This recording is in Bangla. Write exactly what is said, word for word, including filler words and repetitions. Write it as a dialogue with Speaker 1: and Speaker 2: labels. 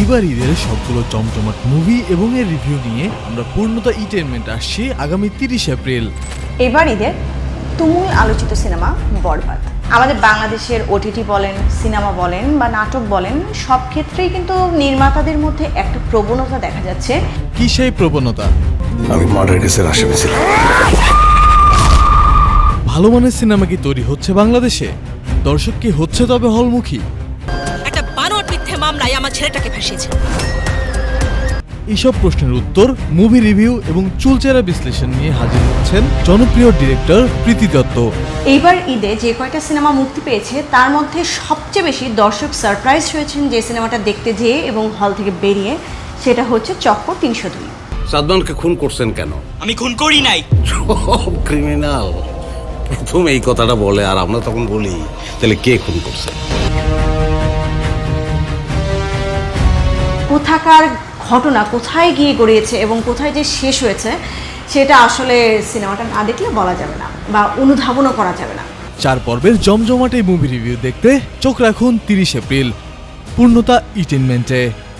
Speaker 1: এইবার ঈদের সবগুলো জমজমাট মুভি এবং এর রিভিউ নিয়ে আমরা পূর্ণতা এন্টারটেইনমেন্ট আসছি আগামী তিরিশে এপ্রিল।
Speaker 2: এবার ঈদের তুমুল আলোচিত সিনেমা বরবাদ। আমাদের বাংলাদেশের ওটিটি বলেন, সিনেমা বলেন বা নাটক বলেন, সব ক্ষেত্রেই কিন্তু নির্মাতাদের মধ্যে একটা প্রবণতা দেখা যাচ্ছে।
Speaker 1: কি সেই প্রবণতা?
Speaker 3: আমি মার্ডার কেসের আসামি ছিলাম।
Speaker 1: ভালো মানের সিনেমা কি তৈরি হচ্ছে বাংলাদেশে? দর্শক কি হচ্ছে তবে হলমুখী?
Speaker 4: একটা বানোয়াট মিথ্যে মামলায় আমার ছেলেটাকে ফাঁসিয়েছে।
Speaker 1: এইসব প্রশ্নের উত্তর, মুভি রিভিউ এবং চুলচেরা বিশ্লেষণ নিয়ে হাজির হচ্ছেন জনপ্রিয় ডিরেক্টর প্রীতি দত্ত।
Speaker 2: এইবার ঈদে যে কয়টা সিনেমা মুক্তি পেয়েছে তার মধ্যে সবচেয়ে বেশি দর্শক সারপ্রাইজ হয়েছেন যে সিনেমাটা দেখতে যেয়ে এবং হল থেকে বেরিয়ে, সেটা হচ্ছে চক্কর তিনশো দুই।
Speaker 5: সাদমানকে খুন করছেন কেন?
Speaker 6: আমি খুন করি নাই।
Speaker 5: সব ক্রিমিনাল প্রথম এই কথাটা বলে, আর আমরা তখন বলি তাহলে কে খুন করছে?
Speaker 2: কোথাকার ঘটনা কোথায় গিয়ে গড়িয়েছে এবং কোথায় যে শেষ হয়েছে সেটা আসলে সিনেমাটা না দেখলে বলা যাবে না বা অনুধাবনও করা যাবে না।
Speaker 1: চার পর্বের জমজমাট এই মুভি রিভিউ দেখতে চোখ রাখুন তিরিশে এপ্রিল পূর্ণতা এন্টারটেইনমেন্টে।